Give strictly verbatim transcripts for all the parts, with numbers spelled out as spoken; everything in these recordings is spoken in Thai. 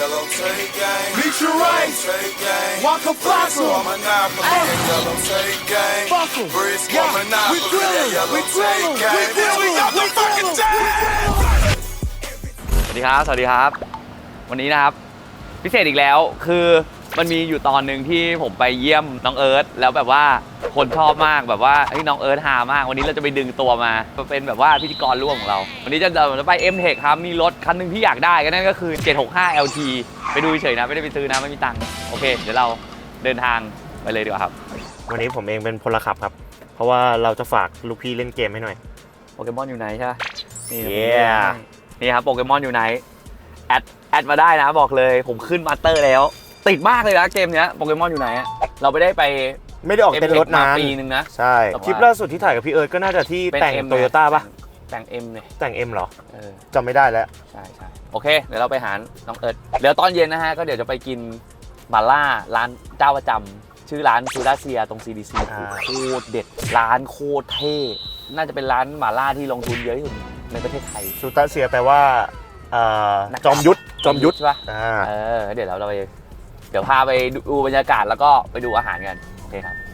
yellow tape gang. Meet your right. Tape gang. Walk a fossil. Monopoly. That yellow tape gang. Fossil. Brisk monopoly. That yellow tape gang. We got the fucking time. สวัสดีครับสวัสดีครับวันนี้นะครับพิเศษอีกแล้วคือมันมีอยู่ตอนหนึ่งที่ผมไปเยี่ยมน้องเอิร์ธแล้วแบบว่าคนชอบมากแบบว่าไอ้น้องเอิร์ธฮามากวันนี้เราจะไปดึงตัวมาเป็นแบบว่าพิธีกรร่วมของเราวันนี้จะจะไป เอ็ม เทค ครับมีรถคันหนึ่งที่อยากได้ก็นั่นก็คือเจ็ดหกห้า แอล ที ไปดูเฉยๆนะไม่ได้ไปซื้อนะไม่มีตังค์โอเคเดี๋ยวเราเดินทางไปเลยดีกว่าครับวันนี้ผมเองเป็นพลขับครับเพราะว่าเราจะฝากลูกพี่เล่นเกมให้หน่อยโปเกมอนอยู่ไหนใช่นี่ yeah. นี่ครับโปเกมอนอยู่ไหนแอดแอดมาได้นะบอกเลยผมขึ้นมาสเตอร์แล้วติดมากเลยนะเกมเนี้ยโปเกมอนอยู่ไหนเราไม่ได้ไปไม่ได้ออกเต้นรถนานปีนึงนะใช่คลิปล่าสุดที่ถ่ายกับพี่เอิร์ธก็น่าจะที่แต่งโตโยต้าป่ะแต่ง M เลยแต่ง M เหรอเออจำไม่ได้แล้วใช่ใช่โอเคเดี๋ยวเราไปหาน้องเอิร์ธเดี๋ยวตอนเย็นนะฮะก็เดี๋ยวจะไปกินมาล่าร้านเจ้าประจำชื่อร้านซูดาเซียตรง ซี ดี ซี โคตรเด็ดร้านโคตรเท่น่าจะเป็นร้านมาล่าที่ลงทุนเยอะที่สุดในประเทศไทยซูดาเซียแปลว่าจอมยุทธจอมยุทธใช่ป่ะเออเดี๋ยวเราไปเดี๋ยวพาไปดูบรรยากาศแล้วก็ไปดูอาหารกันโอเคครับ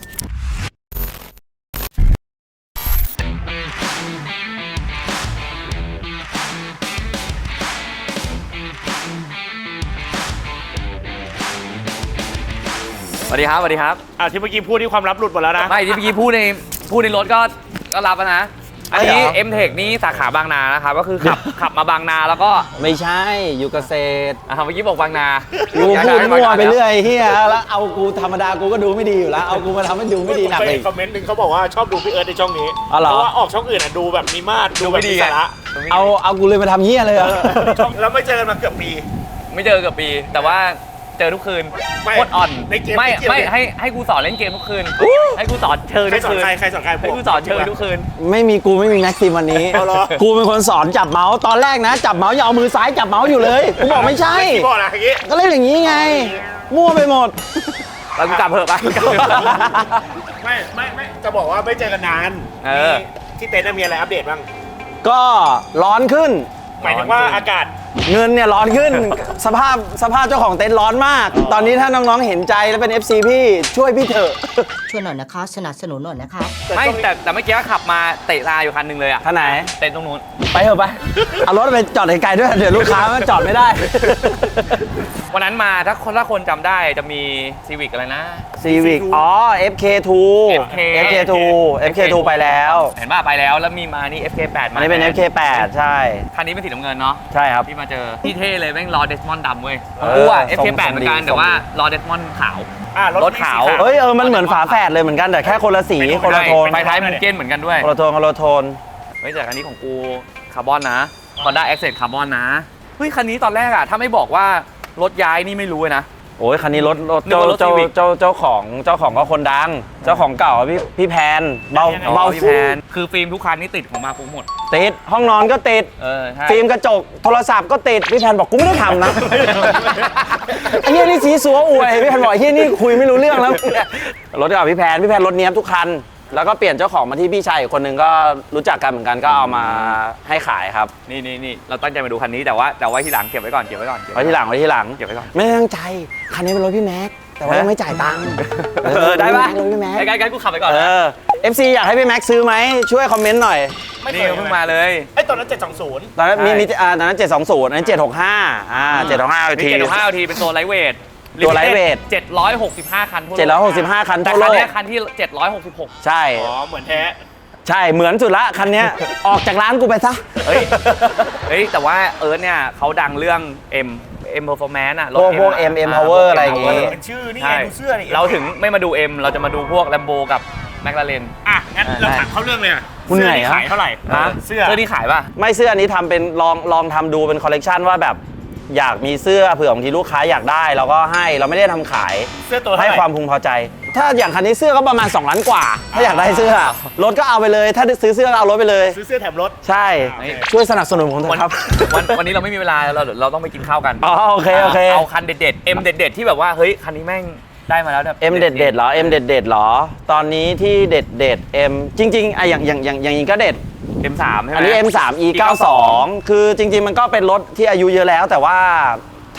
สวัสดีครับสวัสดีครับอ่ะที่เมื่อกี้พูดที่ความลับหลุดหมดแล้วนะไม่ที่เมื่อกี้พูดในพูดในรถก็ก็รับนะอันนี้ เอ็ม เทค นี่สาขาบางนานะครับก็คือขับขับมาบางนาแล้วก็ไม่ใช่อยู่เกษตรอ่ะเมื่อกี้บอกบางนากูพูดมั่วไปเรื่อยเฮียแล้วเอากูธรรมดากูก็ดูไม่ดีอยู่แล้วเอากูมาทำให้ดูไม่ดีหนักเลยคอมเมนต์หนึ่งเขาบอกว่าชอบดูพี่เอิร์ธในช่องนี้เพราะว่าออกช่องอื่นอ่ะดูแบบมีมาตรดูแบบมีสาระเอาเอากูเลยมาทำเฮียเลยอ่ะแล้วไม่เจอกันมาเกือบปีไม่เจอเกือบปีแต่ว่าเจอทุกคืนโคตรอ่อนไม่ไม่ให้ให้กูสอนเล่นเกมทุกคืนให้กูสอนเชิญทุกคืนใครใครสอนใครให้กูสอนเชิญทุกคืนไม่มีกูไม่มีแม็กซิมวันนี้กูเป็นคนสอนจับเมาส์ตอนแรกนะจับเมาส์อย่าเอามือซ้ายจับเมาส์อยู่เลยกูบอกไม่ใช่ก็เล่นอย่างนี้ไงมั่วไปหมดแล้วกูกลับเถอะไปไม่ไม่ไม่จะบอกว่าไม่เจอกันนานที่เต็นท์มีอะไรอัปเดตบ้างก็ร้อนขึ้นหมายถึงว่าอากาศเงินเนี่ยร้อนขึ้นสภาพสภาพเจ้าของเต็นท์ร้อนมากตอนนี้ถ้าน้องๆเห็นใจและเป็น เอฟ ซี พี่ช่วยพี่เถอะช่วยหน่อยนะคะสนับสนุนหน่อยนะคะไม่แต่แต่เมื่อกี้ขับมาเตะตาอยู่คันหนึ่งเลยอ่ะท่าไหนเต็นท์ตรงนู้นไปเถอะไปเอารถไปจอดไกลๆด้วยเดี๋ยวลูกค้ามันจอดไม่ได้วันนั้นมาถ้าคนถ้าคนจำได้จะมีซีวิกอะไรนะซีวิกอ๋อ เอฟ เค ทู เอฟ เค ทู เอฟ เค ทู ไปแล้วเห็นป่ะไปแล้วแล้วมีมานี่ เอฟ เค แปด มาอันนี้เป็น เอฟ เค แปด ใช่คันนี้เป็นสีน้ำเงินเนาะใช่ครับที่มาเจอที่เท่เลยแม่งรอเดสมอนด์ดำเว้ยกูอ่ะ เอฟ เค แปด เหมือนกันแต่ว่ารอเดสมอนด์ขาวรถขาวเฮ้ยเออมันเหมือนฝาแฝดเลยเหมือนกันแต่แค่คนละสีคนละโทนไฟท้ายมันเก้นเหมือนกันด้วยคนละโทนคนละโทนเฮ้ยแต่คันนี้ของกูคาร์บอนนะ Honda Accent คาร์บอนนะเฮ้ยคันนี้ตอนแรกอะถ้าไม่บอกว่ารถย้ายนี่ไม่รู้เลยนะโอ้ยคันนี้รถรถเจ้าเจ้าเจ้าเจ้าของเจ้าของก็คนดังเจ้าของเก่าพี่พี่แพนเบาเบาพี่แพนคือฟิล์มทุกคันนี่ติดของมาฟุ้งหมดติดห้องนอนก็ติดเออใช่ฟิล์มกระจกโทรศัพท์ก็ติดพี่แพนบอกกูไม่ได้ทำนะไอ้เหี้ยนี่สีสัวอวยพี่แพนบอกไอ้เหี้ยนี่คุยไม่รู้เรื่องแล้วรถกับพี่แพนพี่แพนรถเนี้ยทุกคันแล้วก็เปลี่ยนเจ้าของมาที่พี่ชายอีกคนนึงก็รู้จักกันเหมือนกันก็เอามาให้ขายครับนี่นี่นี่เราตั้งใจมาดูคันนี้แต่ว่าแต่ว่าที่หลังเก็บไว้ก่อนเก็บไว้ก่อนไว้ที่หลังไว้ที่หลังเก็บไว้ก่อนไม่ตั้งใจคันนี้เป็นรถพี่แม็กแต่ว่ายังไม่จ่ายตังค์เออได้ป่ะรถพี่แม็กใกล้ๆกูขับไปก่อนเออ เอฟ ซี อยากให้พี่แม็กซื้อไหมช่วยคอมเมนต์หน่อยนี่เพิ่งมาเลยไอ้ตอนนั้นเจ็ดสองศูนย์ตอนนั้นมีมีอ่าตอนนั้นเจ็ดสองศูนย์อันนั้นเจ็ดหกห้าอ่าเจ็ดหกห้าทีเจ็ดหกห้าทีเป็นตัวไลท์เวทตัวไลท์เวทเจ็ดร้อยหกสิบห้าคันทั่วโลกเจ็ดร้อยหกสิบห้าคันทั่วโลกแต่คันนี้คันที่เจ็ดร้อยหกสิบหกใช่อ๋อเหมือนแท้ใช่เหมือนสุดละคันนี้ออกจากร้านกูไปซะเฮ้ยเฮ้ยแต่ว่าเอิร์ธเนี่ยเขาดังเรื่อง M M Performance อะรถพวก M M Power อะไรอย่างงี้เป็นชื่อนี่ไงดูเสื้อนี่เราถึงไม่มาดู M เราจะมาดูพวก Lambo กับ McLaren อ่ะงั้นเราถามเข้าเรื่องเลยคุณเหนื่อยขายเท่าไหร่เสื้อเสื้อที่ขายป่ะไม่เสื้ออันนี้ทำเป็นลองลองทำดูเป็นคอลเลกชันว่าแบบอยากมีเสื้อเผื่อบางทีลูกค้าอยากได้เราก็ให้เราไม่ได้ทำขายเสื้อตัวให้ความพึงพอใจถ้าอย่างคันนี้เสื้อก็ประมาณสองล้านกว่าถ้าอยากได้เสื้อรถก็เอาไปเลยถ้าซื้อเสื้อเอารถไปเลยซื้อเสื้อแถมรถใช่ช่วยสนับสนุนผมเถอะครับวันวันนี้เราไม่มีเวลาเราเราต้องไปกินข้าวกันอ๋อโอเคโอเคเอาคันเด็ดๆ M เด็ดๆที่แบบว่าเฮ้ยคันนี้แม่งได้มาแล้วแบบ M เด็ดเด็ดเหรอ M เด็ดเด็ดเหรอตอนนี้ที่เด็ดเด็ด M จริงๆไออย่างอย่างอย่างอย่างนี้ก็เด็ดเอ็ม สาม ใช่ไหมอันนี้ เอ็ม สาม อี เก้าสิบสอง คือจริงๆมันก็เป็นรถที่อายุเยอะแล้วแต่ว่าถ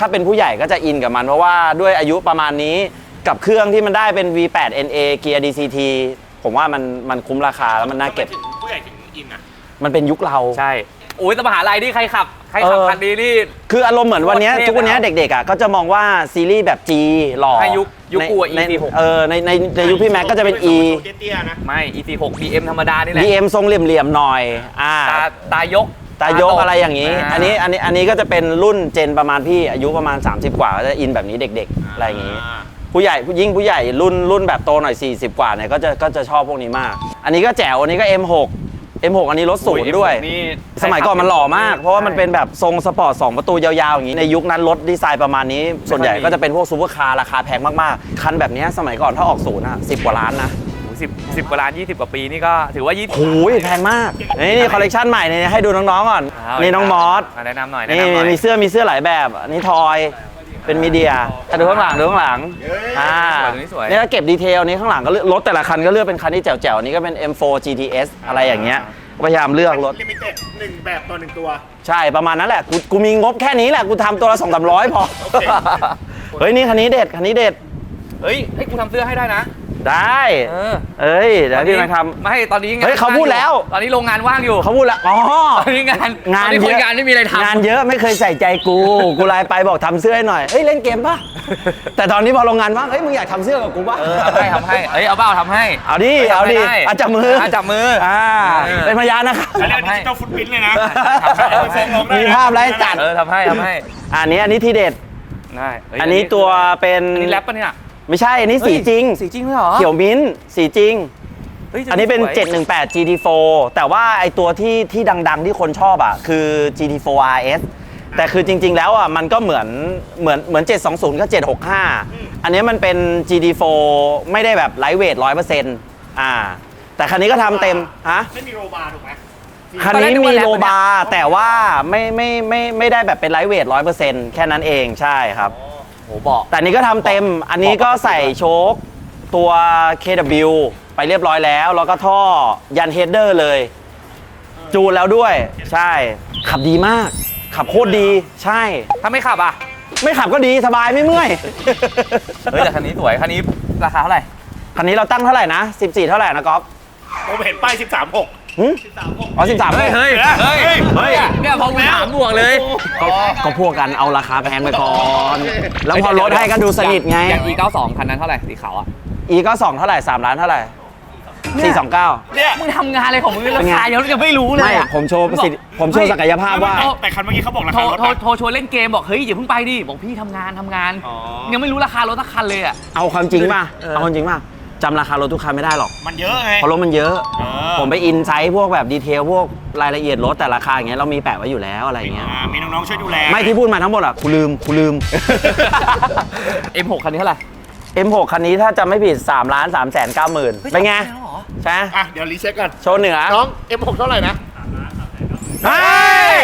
ถ้าเป็นผู้ใหญ่ก็จะอินกับมัน เพราะว่าด้วยอายุประมาณนี้กับเครื่องที่มันได้เป็น วี แปด เอ็น เอ เกียร์ ดี ซี ที ผมว่ามันมันคุ้มราคาแล้วมันน่าเก็บถึงผู้ใหญ่ถึงอินอ่ะมันเป็นยุคเราใช่โอ้ยแต่มหาลัยนี่ใครขับใครขับเออคันนี้นี่คืออารมณ์เหมือนวันเนี้ยโคตรเท่ทุกวันเนี้ยแล้วเด็กๆอ่ะก็จะมองว่าซีรีส์แบบ G หล่อให้ยุคยุคในกูอะในอี ซี หกเออในในในยุคพี่แม็กก็จะเป็น E เตี้ยๆนะไม่ อี ซี หก บี เอ็ม ธรรมดานี่แหละดี เอ็ม ทรงเหลี่ยมๆหน่อยอ่าตาตายกตายกตอะไรอย่างนี้าอันนี้อันนี้อันนี้ก็จะเป็นรุ่นเจนประมาณพี่อายุประมาณ สามสิบ กว่าก็จะอินแบบนี้เด็กๆอะไรอย่างนี้ ผู้ใหญ่ยิ่งผู้ใหญ่รุ่นรุ่นแบบโตหน่อยสี่สิบกว่าเนี่ยก็จะก็จะชอบพวกนี้มาก อันนี้ก็แจ๋วอันนี้ก็ เอ็ม หก เอ็ม หก อันนี้รถศูนย์ด้วยนี่สมัยก่อนมันหล่อมาก เพราะว่ามันเป็นแบบทรงสปอร์ตสองประตูยาวๆอย่างนี้ในยุคนั้นรถดีไซน์ประมาณนี้ส่วนใหญ่ก็จะเป็นพวกซูเปอร์คาร์ราคาแพงมากๆคันแบบนี้สมัยก่อนถ้าออกศูนย์อ่ะสิบกว่าล้านนะสิบสิบกว่าล้านยี่สิบกว่าปีนี่ก็ถือว่ายี่สิบโอ้ยแพงมากนี่นี่คอลเลกชันใหม่เนี่ยให้ดูน้องๆก่อนนี่น้องมอสแนะนำหน่อยแนะนี่นำหน่อยมีเสื้อมีเสื้อหลายแบบอันนี้ทอยเป็นมีเดียอ่ะดูข้างหลังดูข้างหลังอ่าสวยตัวนี้สวยนี่ก็เก็บดีเทลนี้ข้างหลังก็เลือกรถแต่ละคันก็เลือกเป็นคันที่แจ๋วๆอันนี้ก็เป็น เอ็ม โฟร์ จี ที เอส อะไรอย่างเงี้ยพยายามเลือกรถลิมิเต็ดหนึ่งแบบต่อหนึ่งตัวใช่ประมาณนั้นแหละกูกูมีงบแค่นี้แหละกูทำตัวละสองสามร้อยพอโอเคเฮ้ยนี่คันนี้เด็ดคันนี้เด็ดเฮ้ยให้กูทำเสื้อให้ได้นะได้เออเอ้ยเดี๋ยวพี่มาทำไม่ตอนนี้งานเฮ้ยเขาพูดแล้วตอนนี้โรงงานว่างอยู่เขาพูดแล้วอ๋อตอนนี้งานงานตอเยคนอะงานไม่มีอะไรทำงานเยอะไม่เคยใส่ใจกู กูไลน์ไปบอกทำเสื้อให้หน่อยเฮ้ยเล่นเกมป่ะ แต่ตอนนี้พอโรงงานว่างเฮ้ยมึงอยากทำเสื้อกับกูป่ะเออทำให้ทำให้เอ้ยเอาเบ้าทำให้เอาดิทำเอาให้ดิได้อาจับมืออ่ะจับมืออ่าเออเป็นพยานนะครับเขาเรียกดิจิตอลฟุตปรินท์เลยนะมีภาพอะไรให้จัดเออทำให้ทำให้อันนี้อันนี้ทีเด็ดได้เฮ้ยอันนี้ตัวเป็นอันนี้แรปปะเนี่ยไม่ใช่อันนี้สีจริงสีจริงเลยเหรอเขียวมิ้นท์สีจริงฮ้ยอันนี้เป็นสวยเจ็ดหนึ่งแปด จี ที โฟร์ แต่ว่าไอตัวที่ที่ดังๆที่คนชอบอ่ะคือ จี ที โฟร์ อาร์ เอส แต่คือจริงๆแล้วอ่ะมันก็เหมือนเหมือนเหมือนเจ็ดสองศูนย์ก็เจ็ดหกห้าอันนี้มันเป็น จี ที โฟร์ ไม่ได้แบบไลท์เวทร้อยเปอร์เซ็นต์อ่าแต่คันนี้ก็ทำเต็มฮะไม่มีโรบาร์ถูกไหมคันนี้มีโลบาร์แต่ว่าไม่ไม่ไม่ไม่ได้แบบเป็นไลท์เวทร้อยเปอร์เซ็นต์แค่นั้นเองใช่ครับโหบอกแต่อันนี้ก็ทำเต็ม อันนี้ก็ใส่โชคตัว เค ดับเบิลยู ไปเรียบร้อยแล้ว แล้วก็ท่อยันเฮดเดอร์เลย จูนแล้วด้วย ใช่ ขับดีมาก ขับโคตรดี ใช่ถ้าไม่ขับอ่ะไม่ขับก็ดีสบายไม่เมื่อยเฮ้ยแต่คันนี้สวยคันนี้ราคาเท่าไหร่คันนี้เราตั้งเท่าไหร่นะ สิบสี่ เท่าไหร่นะก๊อฟผมเห็นป้ายสิบสามหกหึอ๋อสิบสามเฮ้ยเฮ้ยเฮ้ยเฮ้ยเนี่ยพอกูถามบวกเลยก็ก็พวกกันเอาราคาแพงไปก่อน แล้วพอลดให้ก็ดูสนิทไงอย่าง อี เก้าสิบสอง คันนั้นเท่าไหร่สีขาวอ่ะอีก็สองเท่าไหร่สามล้านเท่าไหร่สี่สองเก้าเนี่ยมึงทำงานอะไรของมึงราคายังยังไม่รู้เลยไม่อะผมโชว์ประสิทธิผมโชว์ศักยภาพว่าแต่คันเมื่อกี้เขาบอกราโทรคารถโทรนะโทรชวนเล่นเกมบอกเฮ้ยอย่าเพิ่งไปดิบอกพี่ทำงานทำงานอ๋อยังไม่รู้ราคารถสักคันเลยอ่ะเอาความจริงป่ะเออเอาความจริงป่ะจำราคารถทุกคันไม่ได้หรอกมันเยอะไงเพราะรถมันเยอะเออผมไปอินไซต์พวกแบบดีเทลพวกรายละเอียดรถแต่ราคาอย่างเงี้ยเรามีแปะไว้อยู่แล้วอะไรอย่างเงี้ยอ่ามีน้องๆช่วยดูแลไม่ที่พูดมาทั้งหมดอ่ะกูลืมกูลืมเอ็ม หก คันนี้เท่าไหร่เอ็ม หก คันนี้ถ้าจำไม่ผิด3ล้าน3แสนเก้าหมื่นเป็นไงแล้วเหรอใช่ไหมอ่ะเดี๋ยวรีเช็คกันโชว์เหนือน้อง เอ็ม หก เท่าไหร่นะเฮ้ย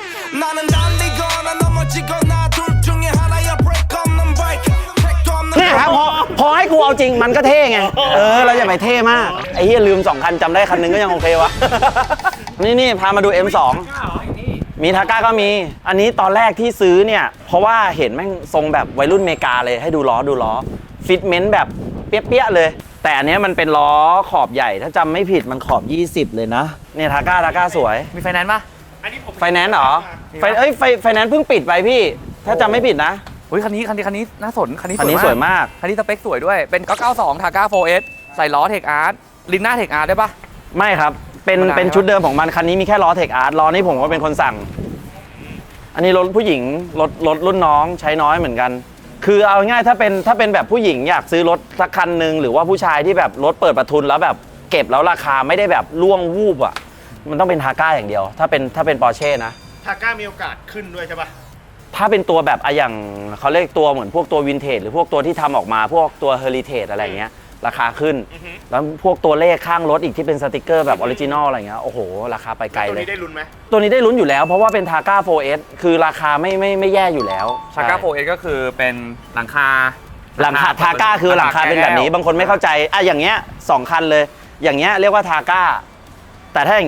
나는 달리거나 넘어지거나 둘 중에 하나야 break 없는 break 택도 없는 เนี่ยครับพอพอให้กูเอาจริงมันก็เท่ไง เออ เราอย่าไปเท่มาก ไอ้เหี้ยลืมสองคันจำได้คันหนึงก็ยังโอเควะ นี่นี่พามาดู เอ็ม สอง มีทาก้าก็มี อันนี้ตอนแรกที่ซื้อเนี่ย เพราะว่าเห็นแม่งทรงแบบวัยรุ่นเมกาเลยให้ดูล้อดูล้อ ฟิตเมนต์แบบเปี้ยๆเลย แต่อันเนี้ยมันเป็นล้อขอบใหญ่ ถ้าจำไม่ผิดมันขอบ ยี่สิบ เลยนะ เนี่ยทาก้าทาก้าสวยมีไฟแนนซ์ปะอันนี้ผมไฟแนนซ์เหรอ ไฟเอ้ยไฟไฟแนนซ์เพิ่งปิดไปพี่ ถ้าจำไม่ผิดนะเฮ้ยคันนี้คันนี้คันนี้น่าสนคันนี้คันนี้สวยมากคันนี้สเปคสวยด้วย เป็น เก้าเก้าสอง ทาก้า โฟร์ เอส ใส่ล้อเทคอาร์ตลินหน้าเทคอาร์ตได้ปะไม่ครับ เป็นธรรมดาเป็นชุดเดิมของมัน คันนี้มีแค่ล้อเทคอาร์ตล้อนี่ผมก็เป็นคนสั่ง อันนี้รถผู้หญิงรถรถรุ่นน้องใช้น้อยเหมือนกัน คือเอาง่ายๆถ้าเป็นถ้าเป็นแบบผู้หญิงอยากซื้อรถสักคันหนึ่งหรือว่าผู้ชายที่แบบรถเปิดประทุนแล้วแบบเก็บแล้วราคาไม่ได้แบบล่วงวูบอ่ะ มันต้องเป็นทาก้าอย่างเดียว ถ้าเป็นถ้าเป็นปอร์เช่นะทาก้ามีโอกาสขึ้นด้วยใช่ปะถ้าเป็นตัวแบบอะอย่างเขาเรียกตัวเหมือนพวกตัววินเทจหรือพวกตัวที่ทำออกมาพวกตัวเฮอริเทจอะไรเงี้ยราคาขึ้น แล้วพวกตัวเลขข้างรถอีกที่เป็นสติกเกอร์แบบออริจินอลอะไรเงี้ยโอ้โห ราคาไปไกลตัวเลยนี้ได้ลุ้นไหมตัวนี้ได้ลุ้นอยู่แล้วเพราะว่าเป็นทาก้า โฟร์ เอส คือราคาไม่ไม่ไม่แย่อยู่แล้วทาก้าใช่โฟร์ เอส ก็คือเป็นหลังคาหลังคาทาก้าคือหลังคาเป็นแบบนี้บางคนไม่เข้าใจอ่ะอย่างเงี้ยสองคันเลย อย่างเงี้ยเรียกว่าทาก้าแต่ถ้าอย่างเงี้ย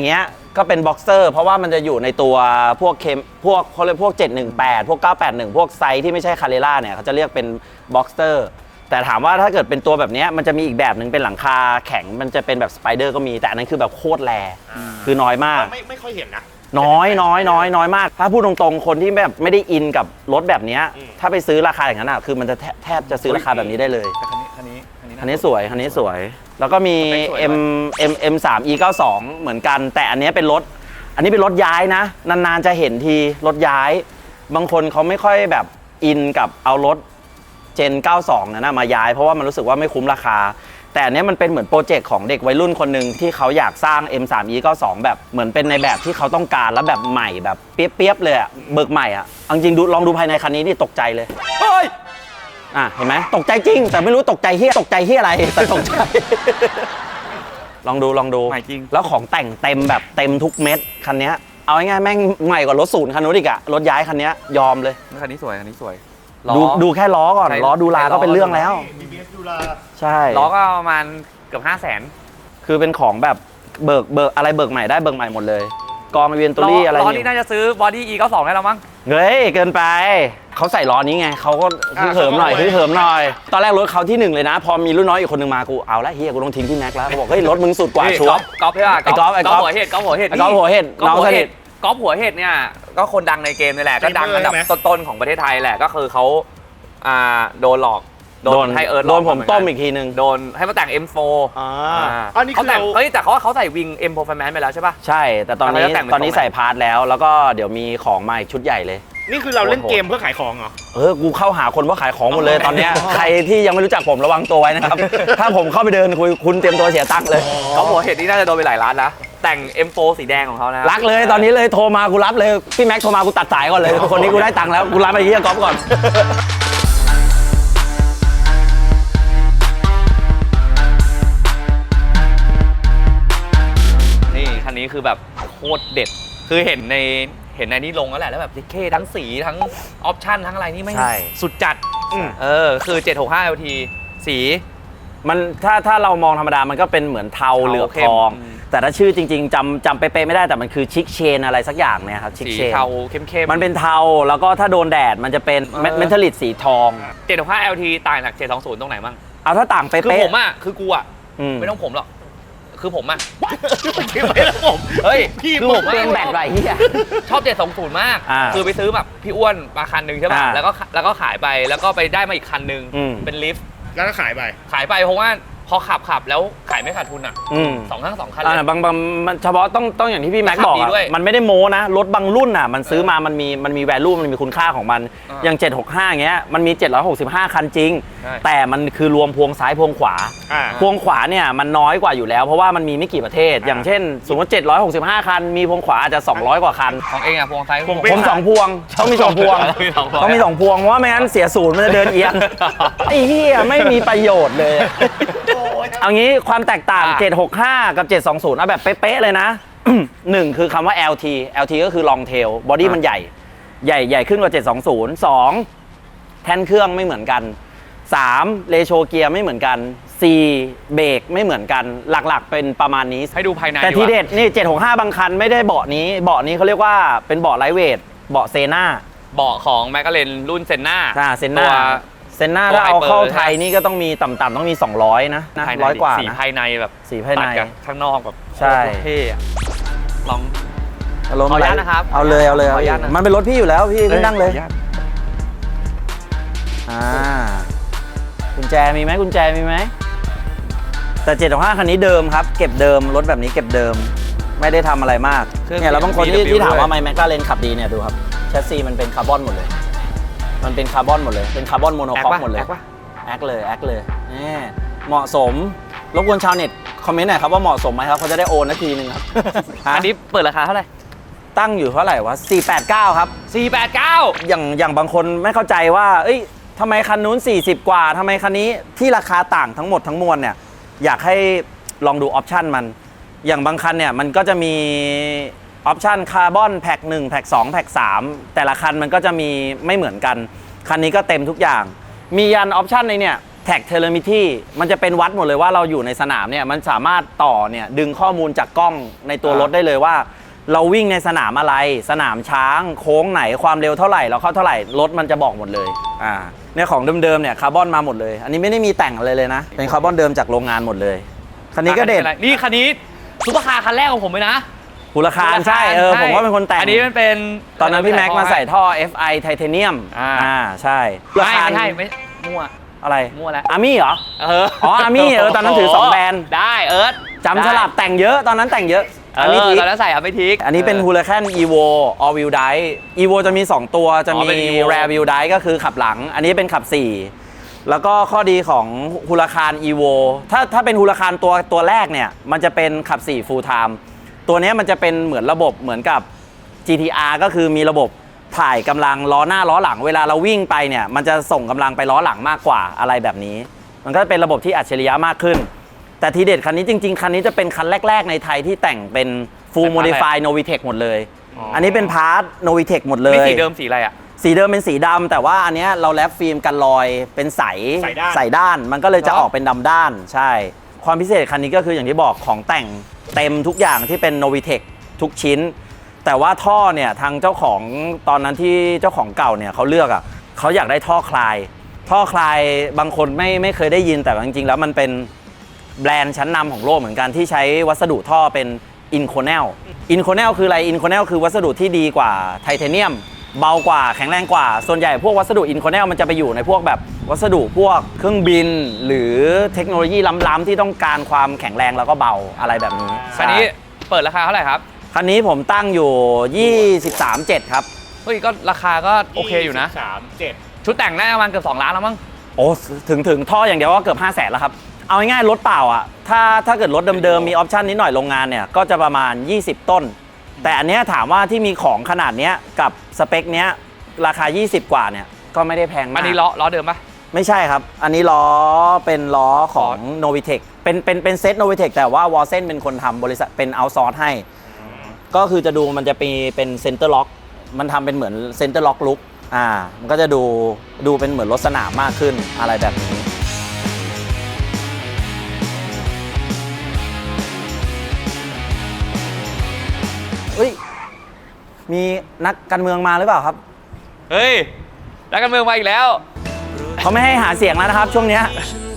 ก็เป็นบ็อกเซอร์เพราะว่ามันจะอยู่ในตัวพวกเคมพวกเขาเรียกพวกเจ็ดหนึ่งแปดพวกเก้าแปดหนึ่งพวกไซส์ที่ไม่ใช่คาเรล่าเนี่ยเขาจะเรียกเป็นบ็อกเซอร์แต่ถามว่าถ้าเกิดเป็นตัวแบบนี้มันจะมีอีกแบบหนึ่งเป็นหลังคาแข็งมันจะเป็นแบบสไปเดอร์ก็มีแต่อันนั้นคือแบบโคตรแรคือน้อยมากไม่ไม่ค่อยเห็นนะน้อยน้อยน้อยน้อยมากถ้าพูดตรงๆคนที่แบบไม่ได้อินกับรถแบบนี้ถ้าไปซื้อราคาอย่างนั้นอ่ะคือมันจะแทบจะซื้อราคาแบบนี้ได้เลยแต่คันนี้คันนี้คันนี้คันนี้สวยคันนี้สวย แล้วก็มีสเปคสวย M M M สาม E เก้าสิบสองเหมือนกัน แต่อันนี้เป็นรถอันนี้เป็นรถย้ายนะนานๆจะเห็นทีรถย้าย บางคนเขาไม่ค่อยแบบอินกับเอารถเจนเก้าสิบสองนะมาย้ายเพราะว่ามันรู้สึกว่าไม่คุ้มราคาแต่อันนี้มันเป็นเหมือนโปรเจกต์ของเด็กวัยรุ่นคนหนึ่งที่เขาอยากสร้าง M สาม E เก้าสิบสองแบบเหมือนเป็นในแบบที่เขาต้องการแล้วแบบใหม่แบบเปียบๆเลยอะเบิกใหม่อะเอาจริงดูลองดูภายในคันนี้นี่ตกใจเลยเฮ้ยอ่ะเห็นไหมตกใจจริง แต่ไม่รู้ตกใจเฮียตกใจเฮียอะไรแต่ตกใจ ลองดูลองดูใหม่จริงแล้วของแต่งเต็มแบบเต็มทุกเม็ดคันนี้เอาง่ายๆแม่งใหม่กว่ารถศูนย์คันนู้นอีกอะรถย้ายคันนี้ยอมเลยคันนี้สวยคันนี้สวยดูดูแค่ล้อก่อนใช่ล้อดูลาก็เป็นเรื่องแล้วบี บี เอส ดูลาใช่ล้อก็ประมาณเกือบห้าแสนคือเป็นของแบบเบิกเบิกอะไรเบิกใหม่ได้เบิกใหม่หมดเลยกองเวียนตุรี่อะไรล้อนี่นี่น่าจะซื้อบอดี้ อี เก้าสิบสองได้แล้วมั้งเฮ้ยเกินไปเขาใส่ล้อนี้ไงเขาก็ฮึ่เหิมหน่อยฮึ่เหิมหน่อยตอนแรกรถเขาที่หนึ่งเลยนะ พอมีรุ่นน้อยอีกคนหนึ่งมากูเอาละเฮียกูต้องทิ้งพี่แม็กแล้วเขาบอกเฮ้ยรถมึงสุดกว่าชัวร์ก๊อฟใช่ป่ะไอ้ก๊อฟไอ้ก๊อฟหัวเห็ดก๊อฟหัวเห็ดไอ้ก๊อฟหัวเห็ดก๊อฟหัวน้องสนิเห็ทดก๊อฟหัวเห็ดเนี่ยก็คนดังในเกมนี่แหละ ก็ดังอันดับต้นๆของประเทศไทยแหละก็คือเขาอ่าโดนหลอกโดนให้เอิร์ธหลโดอกนผมต้มอีกทีนึงโดนให้มาแต่ง เอ็ม โฟร์อ่าอันนี้เขาคือแต่งเราเฮ้ยแต่เขาว่าเขาใส่วิง M Performance ไปแล้วใช่ป่ะใช่แต่ตอนนี้แล้วแต่งเป็นตอนนี้ตรงไหนใส่พาร์ทแล้ว แล้วก็เดี๋ยวมีของมาอีกชุดใหญ่เลยนี่คือเราเล่นเกมเพื่อขายของเหรอเออ กูเข้าหาคนว่าขายของหมดเลยตอนเนี้ย ใครที่ยังไม่รู้จักผมระวังตัวไว้นะครับ ถ้าผมเข้าไปเดินคุยคุณเตรียมตัวเสียตังค์เลยก๊อฟหัวเห็ดนี่น่าจะโดนไปหลายล้านนะแต่ง เอ็ม โฟร์ สีแดงของเขานะรักเลยตอนนี้เลยโทรมากูรับเลย พี่แม็กโทรมากูตัดสายก่อนเลย คนนี้กูได้ตังค์แล้ว กูรับไปที่ก๊อฟก่อนนี่คันนี้คือแบบโคตรเด็ด คือเห็นในเห็นในนี้ลงแล้วแหละแล้วแบบเคทั้งสีทั้งออปชั่นทั้งอะไรนี่ไม่ใช่สุดจัด เออ คือ เจ็ดหกห้า แอล ที สีมันถ้าถ้าเรามองธรรมดามันก็เป็นเหมือนเทาเทาเหลือบเข้ทมองอืมแต่ถ้าชื่อจริง ๆจำจำเป๊ะๆไม่ได้แต่มันคือชิคเชนอะไรสักอย่างเนี่ยครับชิคสีเชนเทาเข้มๆมันเป็นเทาแล้วก็ถ้าโดนแดดมันจะเป็นเออเมทัลลิกสีทองเจ็ดหกห้า แอล ที ต่างจากเจ็ดสองศูนย์ ตรงไหนบ้างเอาถ้าต่างเป๊ะคือๆผมอ่ะ คือกูอ่ะอืมไม่ต้องผมหรอก คือผมอ่ะไม่แล้วผมเฮ้ยพี่คือผมเปลี่ยนแบตไรเฮียชอบเจ็ดสองศูนย์มากอ่าคือไปซื้อแบบพี่อ้วนมาคันหนึ่งใช่ป่ะอ่าแล้วก็แล้วก็ขายไป แล้วก็ไปได้มาอีกคันหนึ่งอืมเป็นลิฟต์แล้วก็ขายไปขายไปเพราะว่าพอขับขับแล้วขายไม่ขาดทุนอ่ะอืมสองทั้งสองคันเลอ่าย บางบางมันเฉพาะต้องต้องอย่างที่พี่แม็กขับบอกดีอะด้วยมันไม่ได้โม้นะ รถบางรุ่นอ่ะ มันซื้อมามันมีมันมี value มันมีคุณค่าของมันอ่าอย่าง เจ็ดหกห้าอย่างเงี้ยมันมี เจ็ดร้อยหกสิบห้า คันจริงใช่แต่มันคือรวมพวงซ้ายพวงขวาอ่าพวงขวาเนี่ยมันน้อยกว่าอยู่แล้ว เพราะว่ามันมีไม่กี่ประเทศอ่าอย่างเช่น สมมติเจ็ดร้อยหกสิบห้า คัน มีพวงขวาอาจจะ สองร้อย กว่าคันของเองอ่ะพวงซ้ายพวงผมสองพวงต้องมีสองพวงมีสองพวงต้องมีสองพวงเพราะว่าไม่งั้นเสียศูนย์มันจะเดินเอียง ไอ้เหี้ยไม่มีประโยชน์เลย เอางี้ความแตกต่างอ่ะเจ็ดหกห้า กับ เจ็ดสองศูนย์เอาแบบเป๊ะๆเลยนะ หนึ่งคือคำว่า แอล ที แอล ที ก็คือ long tail บอดี้มันใหญ่ ใหญ่ใหญ่ขึ้นกว่า เจ็ดสองศูนย์ สอง แท่นเครื่องไม่เหมือนกัน สามเรโชเกียร์ไม่เหมือนกัน สี่ เบรกไม่เหมือนกัน หลักๆ เป็นประมาณนี้ให้ดูภายในแต่ทีว่าเด็ดนี่ เจ็ดหกห้า บางคันไม่ได้เบาะนี้ เบาะนี้เขาเรียกว่าเป็นเบาะไลท์เวท เบาะเซน่าเบาะของแมคลาเรนรุ่นเซนน่าอ่าเซนน่าตัวเซนน่าตัวถ้าเอาเข้า Hyper ไทยนี่ก็ต้องมีต่ำๆต้องมี สองร้อย นะนะภายในร้อยกว่าสีนะภายในแบบสีภายในตัดกับข้างนอกแบบใช่โคตรเท่อะลองอารมณ์ขออนุญาตไรนะครับเอาเลยเอาเลยขออนุญาตนะมันเป็นรถพี่อยู่แล้วพี่ขึ้นนั่งเลยขออนุญาตอ่ากุญแจมีไหมกุญแจมีไหมแต่เจ็ดหกห้าคันนี้เดิมครับเก็บเดิมรถแบบนี้เก็บเดิมไม่ได้ทำอะไรมากเครื่องเนี่ยแล้วบางคนที่บี ดับเบิลยูที่ถามว่าด้วยไมแมคลาเรนขับดีเนี่ยดูครับแชสซีมันเป็นคาร์บอนหมดเลย มันเป็นคาร์บอนหมดเลยเป็นคาร์บอนโมโนแอคคอกปะหมดเลยแอคปะแอคเลยแอคเลยนี่เหมาะสมรบกวนชาวเน็ตคอมเมนต์หน่อยครับว่าเหมาะสมไหมครับเขาจะได้โอนนาทีนึงครับอันนี้เปิดราคาเท่าไหร่ตั้งอยู่เท่าไหร่วะสี่แปดเก้าครับสี่แปดเก้าอย่างอย่างบางคนไม่เข้าใจว่า เอ้ยทำไมคันนู้นสี่สิบกว่าทำไมคันนี้ที่ราคาต่างทั้งหมดทั้งมวลเนี่ยอยากให้ลองดูออปชันมัน อย่างบางคันเนี่ยมันก็จะมีออปชันคาร์บอนแพ็กหนึ่งแพ็กสองแพ็กสามแต่ละคันมันก็จะมีไม่เหมือนกัน คันนี้ก็เต็มทุกอย่าง มียันออปชันในเนี่ยแท็กเทเลมิที่มันจะเป็นวัดหมดเลยว่าเราอยู่ในสนามเนี่ยมันสามารถต่อเนี่ยดึงข้อมูลจากกล้องในตัวรถได้เลยว่าเราวิ่งในสนามอะไรสนามช้างโค้งไหนความเร็วเท่าไหร่เราเข้าเท่าไหร่รถมันจะบอกหมดเลยอ่าเนี่ยของเดิมๆเนี่ยคาร์บอนมาหมดเลยอันนี้ไม่ได้มีแต่งอะไรเลยนะเป็นคาร์บอนเดิมจากโรงงานหมดเลยคันนี้ก็เด็ดนี่คันนี้ซุปเปอร์คาร์คันแรกของผมเลยนะหูราคาใช่เออผมว่าเป็นคนแต่งอันนี้มันเป็นตอนนั้นพี่แม็กมาใส่ท่อ เอฟ ไอ ไทเทเนียมอ่าอ่าใช่ไม่ไม่ใช่ไม่มั่วอะไรมั่วแล้วอาร์มี่เหรอเอออ๋อ Army เออตอนนั้นถือสองแบรนด์ได้เอิร์ธจำสลับแต่งเยอะตอนนั้นแต่งเยอะเออันนี้อทีตอนนั้นใส่อัพไปทิกอันนี้เป็น Huracan Evo All Wheel Drive Evo จะมี สอง ตัวจะอ๋อมีเป็น Evo Rear Wheel Drive ก็คือขับหลัง อันนี้เป็นขับสี่แล้วก็ข้อดีของ Huracan Evo ถ้าถ้าเป็น Huracan ตัวตัวแรกเนี่ยมันจะเป็นขับสี่ Full Time ตัวเนี้ยมันจะเป็นเหมือนระบบเหมือนกับ จี ที อาร์ ก็คือมีระบบถ่ายกำลังล้อหน้าล้อหลังเวลาเราวิ่งไปเนี่ยมันจะส่งกำลังไปล้อหลังมากกว่าอะไรแบบนี้ มันก็เป็นระบบที่อัจฉริยะมากขึ้น แต่ทีเด็ดคันนี้จริงๆ คันนี้จะเป็นคันแรกๆในไทยที่แต่งเป็น Full Modify Novitec หมดเลย อันนี้เป็นพาร์ท Novitec หมดเลยมีสีเดิมสีอะไรอ่ะสีเดิมเป็นสีดำแต่ว่าอันเนี้ยเราแรปฟิล์มกันรอยเป็นใสใส่ด้านใส่ด้าน มันก็เลยจะเหรอออกเป็นดำด้านใช่ ความพิเศษคันนี้ก็คืออย่างที่บอกของแต่งเต็มทุกอย่างที่เป็น Novitec ทุกชิ้น แต่ว่าท่อเนี่ยทางเจ้าของตอนนั้นที่เจ้าของเก่าเนี่ยเขาเลือกอ่ะเขาอยากได้ท่อคลาย ท่อคลายบางคนไม่ไม่เคยได้ยินแต่จริงๆแล้วมันเป็นแบรนด์ชั้นนำของโลกเหมือนกันที่ใช้วัสดุท่อเป็น Inconel Inconel คืออะไร Inconel คือวัสดุที่ดีกว่าไทเทเนียมเบากว่าแข็งแรงกว่าส่วนใหญ่พวกวัสดุ Inconel มันจะไปอยู่ในพวกแบบวัสดุพวกเครื่องบิน หรือเทคโนโลยีล้ำๆที่ต้องการความแข็งแรงแล้วก็เบาอะไรแบบนี้คันนี้เปิดราคาเท่าไหร่ครับคันนี้ผมตั้งอยู่ ยี่สิบสามพันเจ็ดร้อย ครับเฮ้ยก็ราคาก็โอเคอยู่นะสามเจ็ดชุดแต่งน่าจะประมาณเกือบสองล้านแล้วมั้งโอ้ถึงถึงท่ออย่างเดียวก็เกือบ ห้าแสน แล้วครับ เอาง่ายๆรถเปล่าอ่ะถ้าถ้าเกิดรถเดิมๆมีออปชันนิดหน่อยโรงงานเนี่ยก็จะประมาณ ยี่สิบ ต้น แต่อันเนี้ยถามว่าที่มีของขนาดเนี้ยกับสเปคเนี้ยราคา ยี่สิบ กว่าเนี่ยก็ไม่ได้แพงมากอันนี้ล้อล้อเดิมปะไม่ใช่ครับ อันนี้ล้อเป็นล้อของ Novitec เป็นเป็นเป็นเซต Novitec แต่ว่าวอลเซนเป็นคนทำบริษัทเป็นเอาซอร์สให้ ก็คือจะดูมันจะมีเป็นเซนเตอร์ล็อกมันทำเป็นเหมือนเซนเตอร์ล็อกลุกอ่ามันก็จะดูดูเป็นเหมือนรถสนามมากขึ้นอะไรแบบนี้เฮ้ยมีนักการเมืองมาหรือเปล่าครับเฮ้ยนักการเมืองมาอีกแล้วเขาไม่ให้หาเสียงแล้วนะครับ ช่วงเนี้ย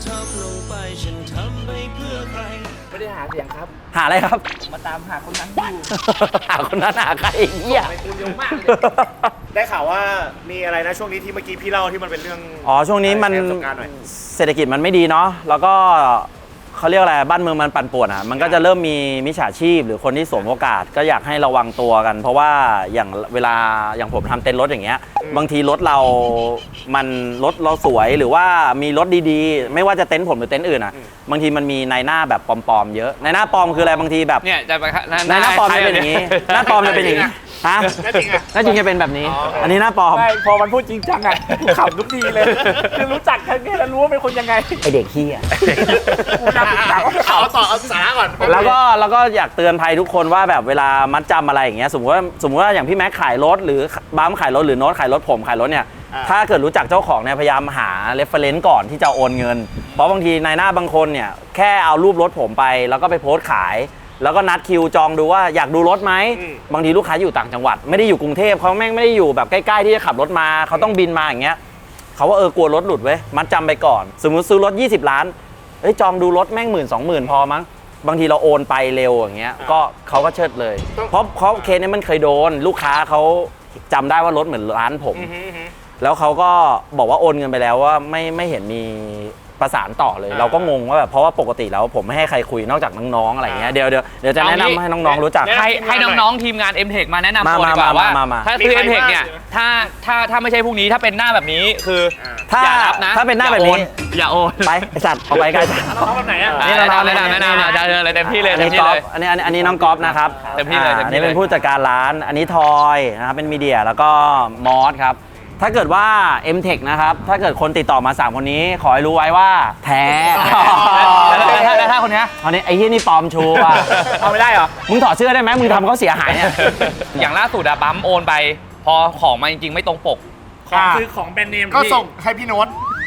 ไม่ได้หาเสียงครับหาอะไรครับมาตามหาคนนั้นอยู่หาคนนั้นหาใครไอ้เหี้ยคุณเยอะมากเลยได้ข่าวว่ามีอะไรนะช่วงนี้ที่เมื่อกี้พี่เล่าที่มันเป็นเรื่องอ๋อช่วงนี้มันแชร์ประสบการณ์หน่อยเศรษฐกิจมันไม่ดีเนาะแล้วก็เขาเรียกอะไรบ้านเมืองมันปั่นป่วนอ่ะมันก็จะเริ่มมีมิจฉาชีพ หรือคนที่สวมโอกาสก็อยากให้ระวังตัวกัน เพราะว่าอย่างเวลาอย่างผมทำเต็นท์รถอย่างเงี้ยบางทีรถเรามันรถเราสวยหรือว่ามีรถดีๆ ไม่ว่าจะเต็นท์ผมหรือเต็นท์อื่นอ่ะบางทีมันมีนายหน้าแบบปลอมๆเยอะนายหน้าปลอมคืออะไรบางทีแบบเนี่ยจะไปนายหน้าปลอมจะเป็นอย่างนี้หน้าปลอมจะเป็นอย่างนี้ฮะน่าจริงอะหน้าจริงจะเป็นแบบนี้ อันนี้หน้าปลอมไม่พอมันพูดจริงจังอ่ะกูขำทุกทีเลยคือรู้จักกันแค่แล้วรู้ว่าเป็นคนยังไงไอเด็กเฮียกูจำถามว่าเอาต่อเอาสาระก่อนแล้วก็แล้วก็อยากเตือนภัยทุกคนว่าแบบเวลามัดจำอะไรอย่างเงี้ยสมมติว่าสมมติว่าอย่างพี่แม็กขายรถหรือบัมขายรถหรือโน้ตขายรถผมขายรถเนี่ยถ้าเกิดรู้จักเจ้าของเนี่ยพยายามหาเรฟเฟรนซ์ก่อนที่จะโอนเงิน เพราะบางทีนายหน้าบางคนเนี่ยแค่เอารูปรถผมไปแล้วก็ไปโพสต์ขาย แล้วก็นัดคิวจองดูว่าอยากดูรถไหมบางทีลูกค้าอยู่ต่างจังหวัดไม่ได้อยู่กรุงเทพเขาแม่งไม่ได้อยู่แบบใกล้ๆที่จะขับรถมาเขาต้องบินมาอย่างเงี้ยเขาว่าเออกลัวรถหลุดเว้ยมัดจำไปก่อนสมมุติซื้อรถยี่สิบล้านเอ้ยจองดูรถแม่งหมื่นสองหมื่นพอมั้งบางทีเราโอนไปเร็วอย่างเงี้ยก็เขาก็เชิดเลย เพราะเพราะเคสนี้มันเคยโดนลูกค้าเขาจำได้ว่ารถเหมือนร้านผม แล้วเขาก็บอกว่าโอนเงินไปแล้วว่าไม่ไม่เห็นมีประสานต่อเลย เราก็งงว่าแบบเพราะว่าปกติแล้วผมไม่ให้ใครคุยนอกจากน้องๆอะไรเงี้ยเดี๋ยวเดี๋ยวเดี๋ยวจะแนะนำให้น้องๆรู้จักให้ให้น้องๆทีมงาน M-Tech มาแนะนำตัวดีกว่ามามาว่ามามาถ้าคือ M-Tech เนี่ยถ้าถ้าถ้าไม่ใช่พวกนี้ถ้าเป็นหน้าแบบนี้คือถ้าอย่ารับนะถ้าเป็นหน้าแบบนี้อย่าโอนไปไอสัตว์เอาไปไกลสัตว์น้องแบบไหนอ่ะนี่แนะนำแนะนำแนะนำจะเดินอะไรเต็มที่เลยอันเต็นี้มที่ก๊อเลฟยอันนี้อันนี้อันนี้น้องก๊อฟนะครับเต็มที่เลยอ่าเต็มที่อันนี้เป็นเลยผู้จัดการร้านอันนี้ทอยนะครับเป็นมีเดียแล้วก็มอสครับถ้าเกิดว่า M-Tech นะครับถ้าเกิดคนติดต่อมาสามคนนี้ขอให้รู้ไว้ว่าแท้แล้วถ้าแล้วถ้าคนเนี้ยตอนนี้ไอ้เหี้ยนี่ปลอมชูว่ะเอาไม่ได้เหรอมึงถอดเสื้อได้ไหมมึงทำเขาเสียหายเนี่ยอย่างล่าสุดอะบัมโอนไป พอของมาจริงๆไม่ตรงปกของคือของแบรนด์เนมก็ส่งให้พี่โน้ต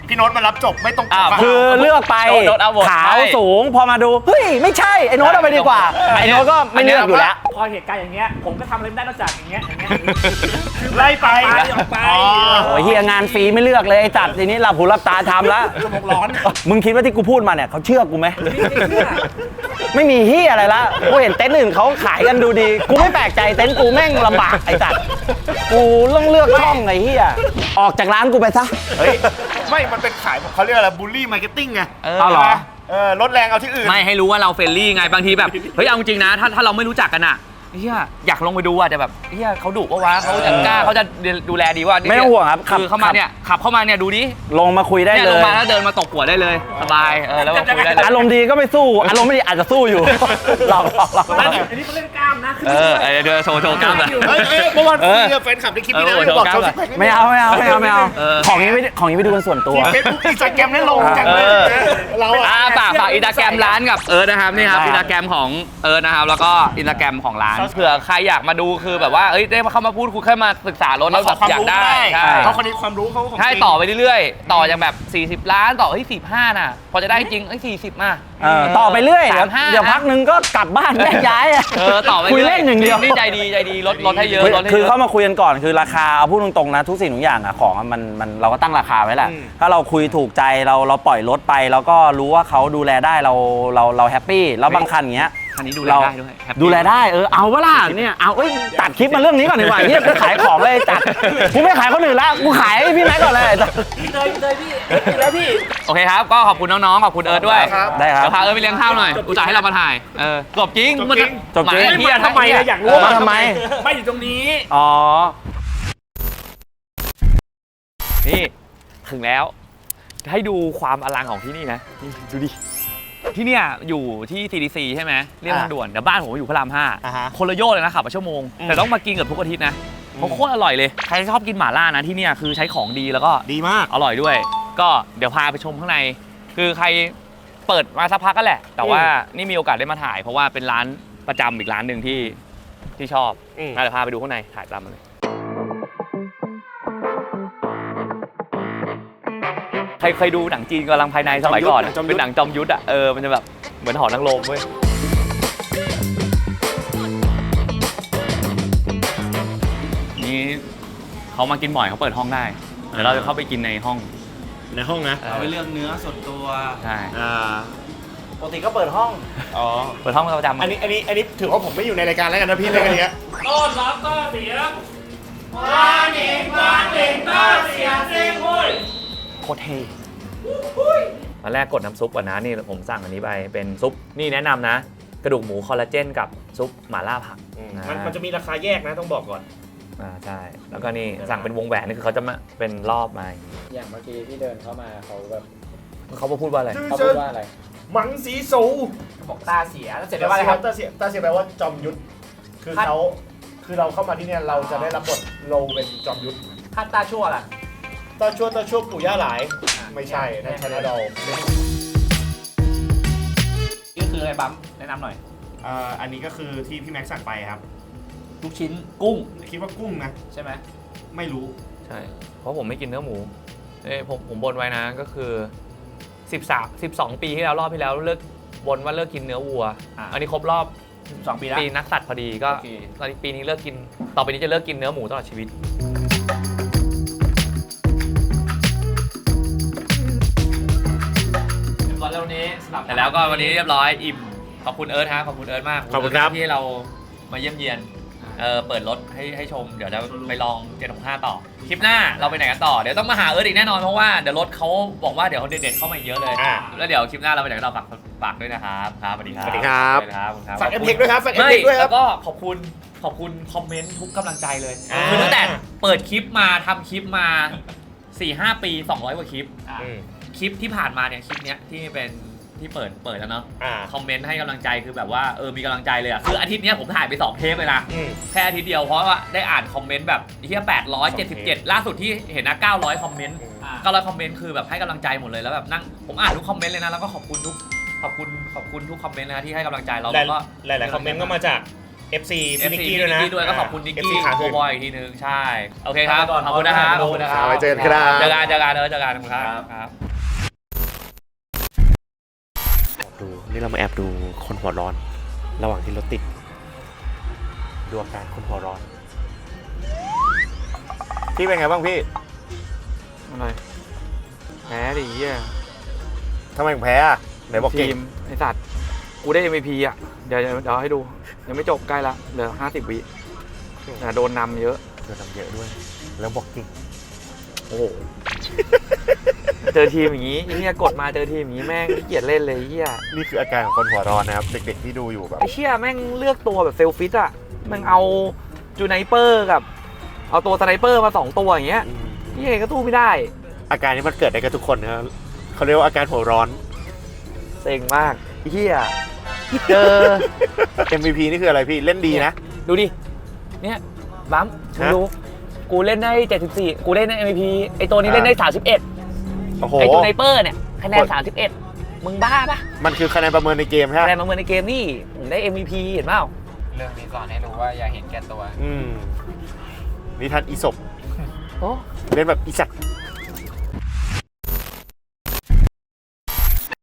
พี่โน้ตมารับจบไม่ต้องอ้าวคือเลือกไปโดนเอาหมดขาวใช่สูงพอมาดูเฮ้ยไม่ใช่ไอ้โน้ตเอาไปดีกว่าไอ้โน้ตก็ไม่เลือกอยู่แล้วพอเหตุการณ์อย่างเงี้ยผมก็ทำอะไรไม่ได้นอกจากอย่างเงี้ยอย่างเงี้ยไล่ไปไปออกไปอ๋อโอ้ยเฮียงานฟรีไม่เลือกเลยไอ้จัดทีนี้หลับหูหลับตาทำแล้วสมองร้อนมึงคิดว่าที่กูพูดมาเนี่ยเขาเชื่อกูไหมไม่เชื่อไม่มีเฮียอะไรละกูเห็นเต็นท์อื่นเขาขายกันดูดี กูไม่แปลกใจเต็นท์กูแม่งลำบากไอ้จัดกูต้องเลือกช่องไอ้เฮียออกจากร้านกูไปซะเฮ้ยไม่มันเป็นขายเขาเรียกอะไรบูลลี่มาร์เก็ตติ้งไงเออเอาเหรอเออลดแรงเอาที่อื่นไม่ให้รู้ว่าเราเฟรนลี่ไงบางทีแบบ เฮ้ยเอาจริงนะถ้าถ้าเราไม่รู้จักกันอะเฮียอยากลงไปดูอะแต่แบบเฮียเขาดุปะวะเขาจะกล้าเขาจะดูแลดีว่าไม่ต้องห่วงครับขับคือเข้ามาเนี่ยขับเข้ามาเนี่ยดูดิลงมาคุยได้เนี่ยเลลงยมาแล้วเดินมาตบหัวได้เลยสบายเออแล้วก็คุยได้เลยอารมณ์ดีก็ไม่สู้ อารมณ์ไม่ดีอาจจะสู้อยู่ หลอกหลอกหลอกอันนี้เขาเล่นกล้ามนะเออเออเดี๋ยวโชว์โชว์กล้ามเลยเฮ้ยเอ้ยเมื่อวานเออคุยกับแฟนคลับในคลิปนี้นะเออบอกโชเขาว์สิกล้ามไม่เอาไม่เอาไม่เอาไม่เอาเออของนี้ไม่ของนี้ไปดูกันส่วนตัวที่เฟซบุ๊กอินสตาแกรมนั่นลงจังเลยเออเราอ่าอะฝากฝากอินสตาแกรมร้านกับเอิร์ธนะครับนี่ครับได้อินสตาแกรมของเอิร์ธนะครับแล้วก็อินสตาแกรมของร้านเผื่อใครอยากมาดูคือแบบว่าเอ้ยได้มาเข้ามาพูดคุยแค่มาศึกษารถแล้วแบบอยากได้ใช่เขาคนนี้ความรู้เขาของใช่จริงต่อไปเรื่อยๆ ต่อจากแบบ สี่สิบ ล้านต่อเฮ้ยสี่สิบห้าน่ะ พอจะได้จริงเอ้ยสี่สิบมาเออต่อไปเรื่อยเดี๋ยวสามห้าเดี๋ยวพักหนึงก็กลับบ้านแยกย้ายอะเออต่อไปคุยรื่เล่นอย่างเดียวนี่ใจดีใจดีลดลดให้เยอะคือลดให้คือเยอะเข้ามาคุยกันก่อนคือราคาเอาพูดตรงๆนะทุกสิ่งทุกอย่างอะของอะมันมันเราก็ตั้งราคาไว้แหละอืมถ้าเราคุยถูกใจเราเราปล่อยรถไปแล้วก็รู้ว่าเขาดูแลได้เราเราเราแฮปปี้แล้วบางคันอย่างเงี้ยคันนี้ดูแลเราได้ด้วยแฮปปี้ดูแลได้เออเอาเวล่ะเนี่ยเอาเอ้ยตัดคลิปมาเรื่องนี้ก่อนดีกว่าเฮียกูขายของเลยตัดกูไม่ขายคนอื่นละกูขายให้พี่แม็กก่อนเลยพี่เตยพี่เตยพี่แล้วพี่โอเคครับ ก็ขอบคุณน้องๆ ขอบคุณเอิร์ธด้วยครับได้ครับเดี๋ยวพาเอิร์ธไปเลี้ยงข้าวหน่อยอุตส่าห์ให้เรามาถ่าย เออจบจริงจบจริงจบจริงหมาไม่เหี้ยมาทำไมเหี้นะอยากรู้เออว่าทำไมไม่อยู่ตรงนี้อ๋อนี่ถึงแล้ว ให้ดูความอลังของที่นี่นะนี่ดูดิ ที่เนี่ยอยู่ที่ ซี ดี ซี ใช่ไหมเรียบทางด่วนเดี๋ยวบ้านผมอยู่พระรามห้าอ่าฮะคนละโยชน์เลยนะขับมาชั่วโมง แต่ต้องมากินเกับทุกอาทิตย์นะเพราะโคตรอร่อยเลย ใครชอบกินหม่าล่านะที่เนี่ยคือใช้ของดีแล้วก็ดีมากอร่อยด้วย ก็เดี๋ยวพาไปชมข้างใน คือใครเปิดมาสักพักก็แหละ แต่ว่านี่มีโอกาสได้มาถ่าย เพราะว่าเป็นร้านประจำอีกร้านหนึ่งที่ที่ชอบอืมงั้นเดี๋ยวพาไปดูข้างในถ่ายตามมาเลยใครเคยดูหนังจีนกำลังภายในสมัยก่อนอะเป็นหนังจอมยุทธอ่ะเออมันจะแบบเหมือนหอนังรมเว้ยนี่เขามากินบ่อยเขาเปิดห้องได้เดี๋ยวเราจะเข้าไปกินในห้องในห้องนะเอาไปเลือกเนื้อส่วนตัวใช่อ่าปกติก็เปิดห้องอ๋อเปิดห้องประจำอันนี้อันนี้อันนี้ถือว่าผมไม่อยู่ในรายการแล้วกันนะพี่ในกันเนี้ยต้อนรับต้าเสียว้าเหน่งว้าเหน่งต้าเสียเซ็งโว้ยโคตรเท่ตอนแรกกดน้ำซุปก่อนนะนี่ผมสั่งอันนี้ไปเป็นซุปนี่แนะนำนะ กระดูกหมูคอลลาเจนกับซุปหม่าล่าผักมันมันจะมีราคาแยกนะต้องบอกก่อนอ่าใช่แล้วก็นี่สั่งเป็นวงแหวนนี่คือเขาจะมาเป็นรอบมาอย่างงี้อย่างเมื่อกี้ที่เดินเข้ามาเขาแบบเขาพูดว่าอะไรเขาพูดว่าอะไรมังสีสูบอกตาเสียแล้วเสร็จแล้วว่าอะไรครับตาเสียตาเสียแปลว่าจอมยุทธคือเขาคือเราเข้ามาที่เนี่ยเราจะได้รับบทโลเป็นจอมยุทธคาดตาชั่วล่ะตาชั่วตาชั่วปู่ย่าหลาย ไม่ใช่นั่นชนะดอลนี่คืออะไรบัมแนะนำหน่อยอ่าอันนี้ก็คือที่พี่แม็กซ์สั่งไปครับลูกชิ้นกุ้งคิดว่ากุ้งนะใช่ไหมไม่รู้ใช่เพราะผมไม่กินเนื้อหมูเอ้ยผมผมบนไว้นะก็คือสิบสามสิบสองปีที่แล้วรอบที่แล้วเลิกบนว่าเลิกกินเนื้อวัวอ่ะอันนี้ครบรอบสองปีแล้วปีนักสัตว์พอดีก็โอเคตอนนี้ปีนี้เลิกกินต่อไปนี้จะเลิกกินเนื้อหมูตลอดชีวิตก่อนแล้ววันนี้แต่แล้วก็วันนี้เรียบร้อยอิ่มขอบคุณเอิร์ธฮะขอบคุณเอิร์ธมากขอบคุณครับที่เรามาเยี่ยมเยียนเออเปิดรถให้ให้ชมเดี๋ยวจะไปลองเจ็ดหกห้าต่อคลิปหน้าเราไปไหนกันต่อเดี๋ยวต้องมาหาเอิร์ธอีกแน่นอนเพราะว่าเดี๋ยวรถเขาบอกว่าเดี๋ยวเขาเด็ดๆเข้ามาอีกเยอะเลยอ่าแล้วเดี๋ยวคลิปหน้าเราไปไหนกันต่อฝากฝากด้วยนะครับครับสวัสดีครับสวัสดีครับสวัสดีครับขอบคุณครับฝากเอ็มเพกด้วยครับฝากเอ็มไม่เพกด้วยคแล้รับวก็ขอบคุณขอบคุณคอมเมนต์ทุกกำลังใจเลยอ่าคือตั้งแต่เปิดคลิปมาทำคลิปมา สี่ห้า ปีสองร้อยกว่าคลิปอืมคลิปที่ผ่านมาเนี่ยคลิปเนี้ยที่เป็นที่เปิดเปิดแล้วเนาะอ่าคอมเมนต์ให้กำลังใจคือแบบว่าเออมีกำลังใจเลยอ่ะคืออาทิตย์เนี้ยผมถ่ายไปสองเทปเลยนะอืมแค่อาทิตย์เดียวเพราะว่าได้อ่านคอมเมนต์แบบที่แปดร้อยเจ็ดสิบเจ็ดล่าสุดที่เห็นนะเก้าร้อยคอมเมนต์อ่าเก้าร้อยคอมเมนต์คือแบบให้กำลังใจหมดเลยแล้วแบบนั่งผมอ่านทุกคอมเมนต์เลยนะแล้วก็ขอบคุณทุกขอบคุณขอบคุณทุกคอมเมนต์นะที่ให้กำลังใจเราหลายแล้วก็หลายๆคอมเมนต์ก็มาจากเอฟซีพี่นิกกี้ด้วยนะด้วยก็ขอบคุณนิกเอฟซีกี้ขาโคขึ้นบอยอีกทีนึงใช่โอเคครับขอบคุณนะครับขอบคุณนะครับไว้เจอกันครับเจอกันเจอกันเออเจอกันครับครับดูนี่เรามาแอบดูคนหัวร้อน ระหว่างที่รถติดดูอาการคนหัวร้อนพี่เป็นไงบ้างพี่อะไรแพ้ดิเหี้ยทำไมถึงแพ้อะไหนบอกเก่ทีงมไอสัตว์กูได้ เอ็ม วี พี อ่ะ เดี๋ยวเดี๋ยวเดี๋ยวให้ดู ยังไม่จบใกล้ละเหลือห้าสิบวิแต่โดนนำเยอะโดนทำเยอะด้วย แล้วบอกเก่งโอ้โห เจอทีมอย่างงี้ไอ้เหี้ยกดมาเจอทีมอย่างงี้แม่งขี้เกียจเล่นเลยไอ้เหี้ยนี่คืออาการของคนหัวร้อนนะครับ เด็กๆที่ดูอยู่แบบไอ้เหี้ยแม่งเลือกตัวแบบเซลฟิตอ่ะแม่งเอาจูไนเปอร์กับ เอาตัวสไนเปอร์มาสองตัวอย่างเงี้ยนี่ไงก็ตู้ไม่ได้อาการนี้มันเกิดได้กับทุกคนนะครับเขาเรียกว่าอาการหัวร้อนเซ็งมากไอ้เหี้ยเจอเอ็ม วี พี นี่คืออะไรพี่เล่นดีนะดูดิ เนี่ยบัมมึงดู กูเล่นได้เจ็ดสิบสี่กูเล่นได้ เอ็ม วี พี ไอตัวนี้เล่นได้สามสิบเอ็ดโอ้โหไอจูไนเปอร์เนี่ยคะแนนสามสิบเอ็ดมึงบ้าปะมันคือคะแนนประเมินในเกมใช่ไหมคะแนนมาเมือในเกมนี่ผมได้ เอ็ม วี พี เห็นเปล่าเรื่องนี้สอนให้รู้ว่าอย่าเห็นแก่ตัวอืมนิทานอีศบโอ้เล่นแบบอีสัตว์